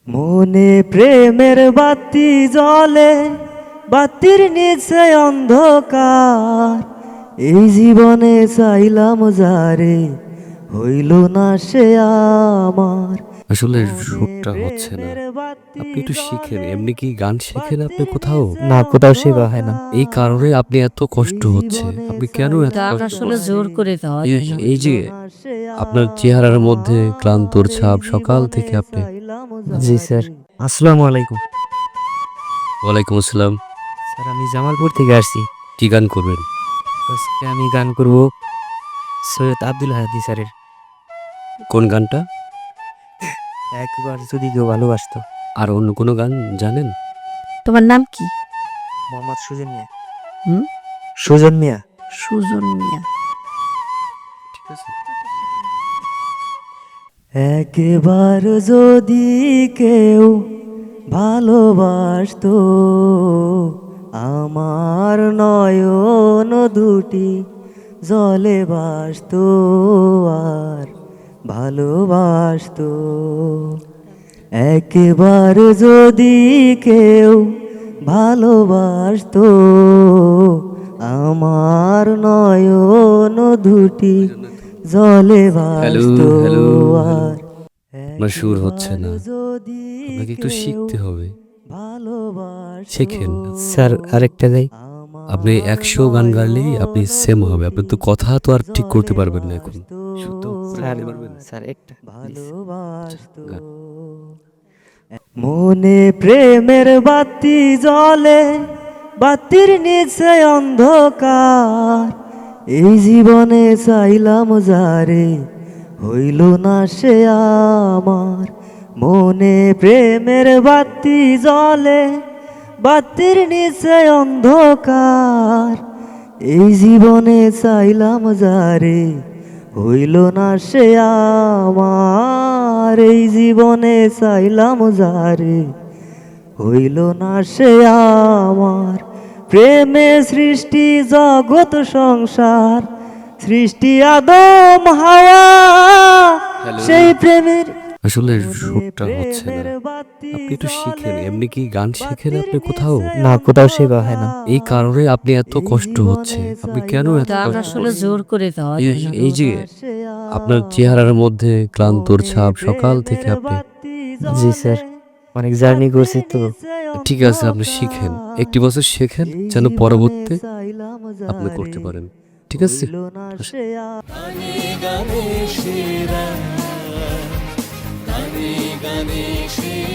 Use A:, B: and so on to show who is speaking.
A: মনে প্রেমের বাতি জ্বলে, বাতির নিচে অন্ধকার। এই জীবনে চাইলাম যারে, হইল না সে আমার।
B: আসলে সুরটা হচ্ছে না। আপনি একটু শিখেন। এমনি কি গান শেখেন আপনি কোথাও?
C: না, কোথাও শেখা হয় না।
B: এই কারণে আপনি এত কষ্ট হচ্ছে। আপনি কেন এত
D: গান
B: কষ্ট
D: আসলে
B: করছেন?
D: জোর করে দেওয়া যায় না।
B: এই যে আপনার চেহারার মধ্যে ক্লান্তর ছাপ সকাল থেকে আপনি।
C: জি স্যার, আসসালামু আলাইকুম।
B: ওয়ালাইকুম আসসালাম।
C: স্যার, আমি জামালপুর থেকে আসছি।
B: কি গান করবেন?
C: আজকে আমি গান করব সৈয়দ আব্দুল হাদি স্যারের
B: কোন গানটা?
C: একবার যদি কেউ ভালোবাসতো।
B: আর অন্য কোনো গান জানেন?
D: তোমার নাম কি?
C: মোহাম্মদ সুজন মিয়া।
D: হুম?
C: সুজন মিয়া।
D: সুজন মিয়া।
B: ঠিক আছে।
A: একবার যদি কেউ ভালোবাসতো, আমার নয়ন দুটি জলে ভাসতো আর ভালোবাসতো। একবার যদি কেউ ভালোবাসতো, আমার নয়ন দুটি জলে ভাসতো
B: হ্যালো।
A: আর।
B: আপনার সুর হচ্ছে না।
A: যদি
B: আপনাকে একটু শিখতে হবে।
A: ভালোবাসতো,
B: শেখেন।
C: স্যার, আরেকটা গাই।
B: আপনি 100 গান গাইলেই আপনি সেম হবে। আপনি তো কথা তো আর ঠিক করতে পারবেন না এখন। শুদ্ধ
C: স্যার,
B: গাইতে পারবেন?
C: স্যার একটা please।
A: ভালোবাসতো।
B: গান।
A: মনে প্রেমের বাতি জ্বলে, বাতির নিচে অন্ধকার। এই জীবনে চাইলাম যারে, হইল না সে আমার। মনে প্রেমের বাতি জ্বলে, বাতির নিচে অন্ধকার। এই জীবনে চাইলাম যারে, হইল না সে আমার। এই জীবনে চাইলাম যারে, হইল না সে আমার। প্রেমে সৃষ্টি জগৎ সংসার, সৃষ্টি আদম হাওয়া। সেই প্রেমের
B: আসলে সুরটা হচ্ছে না। আপনি একটু শিখেন। এমনি কি গান শেখেন আপনি কোথাও?
C: না, কোথাও শেখা হয় না।
B: এই কারণে আপনি এত কষ্ট হচ্ছে। আপনি কেন এত
D: গান
B: কষ্ট
D: আসলে
B: করছেন?
D: জোর করে দেওয়া যায় না।
B: এই যে আপনার চেহারার মধ্যে ক্লান্তর ছাপ সকাল থেকে আপনি।
C: জি স্যার, অনেক জার্নি করছি তো।
B: ঠিক আছে, আপনি শিখেন। একটি বছর শেখেন যেন পরবর্তী আপনি করতে পারেন। ঠিক আছে?
E: গানে গানে সেরা, গানে গানে সেরা।